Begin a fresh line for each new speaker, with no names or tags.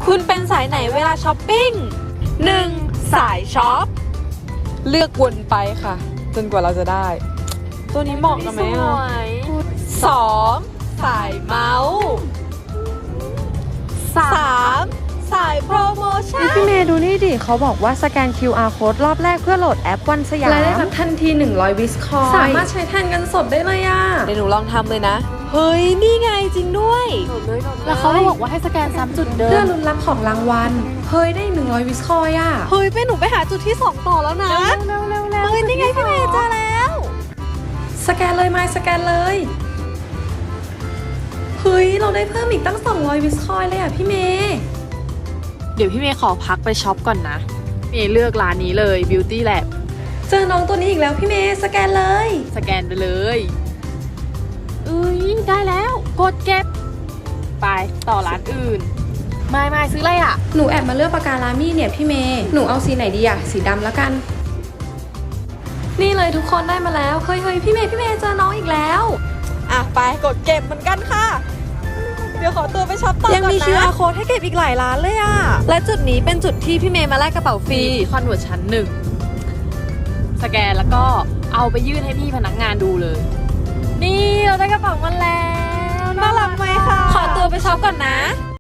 คุณเป็นสายไหนเวลาช้อปปิ้ง 1. สายช็อป
เลือกวนไปค่ะ จนกว่าเราจะได้ ตัวนี้เหมาะกับไหมอ่ะ 2. สายเมาส์ 3. สายโปรโมชั่น
พี่เมย์ดูนี่ดิเขาบอกว่าสแกน QR code รอบแรกเพื่อโหลดแอปวันสยาม
รายได้รับทันที100วิสคอย
สามารถใช้แทนเงินสดได้เลยอ่ะ
เดี๋ยวหนูลองทำเลยนะ เฮ้ย นี่ไงจริงด้วย
แล้วเขาบอกว่าให้สแกนซ้ำจุดเดิ
เพื่อ
ม
ลุ้นรับของรางวัล เฮ้ยได้100วิสคอยอ่ะ
เฮ้ยเป็นหนูไปหาจุดที่ 2 ต่อแล้วนะ เฮ้ย นี่ไงพี่เมย์เจอแล้ว
สแกนเลยไม่สแกนเลย เฮ้ยเราได้เพิ่มอีกตั้ง200วิสคอยเลยอ่ะพี่เมย์
เดี๋ยวพี่เมย์ขอพักไปช็อปก่อนนะเมย์เลือกร้านนี้เลย Beauty Lab
เจอน้องตัวนี้อีกแล้วพี่เมย์สแกนเลย
สแกนไปเลยได้แล้ว กดเก็บ ไปต่อร้านอื่น ไม่ซื้ออะไรอ่ะ
หนูแอบมาเลือกปากกาลามี่เนี่ยพี่เมย์หนูเอาสีไหนดีอ่ะสีดำแล้วกัน นี่เลยทุกคนได้มาแล้วเฮ้ยพี่เมย์เจอน้องอีกแล้ว
อ่ะ ไปกดเก็บเหมือนกันค่ะ เดี๋ยวขอตัวไปช็อปต่อก่อนนะ
ยังมี QR code ให้เก็บอีกหลายร้านเลยอะและจุดนี้เป็นจุดที่พี่เมย์มาแลกกระเป๋าฟรี
คอนเวิร์ตชั้น 1 สแกนแล้วก็เอาไปยื่นให้พี่พนักงานดูเลย นี่เราได้กระเป๋ามาแล้ว
น่ารักไหมคะ ขอตัวไปช็อปก่อนนะ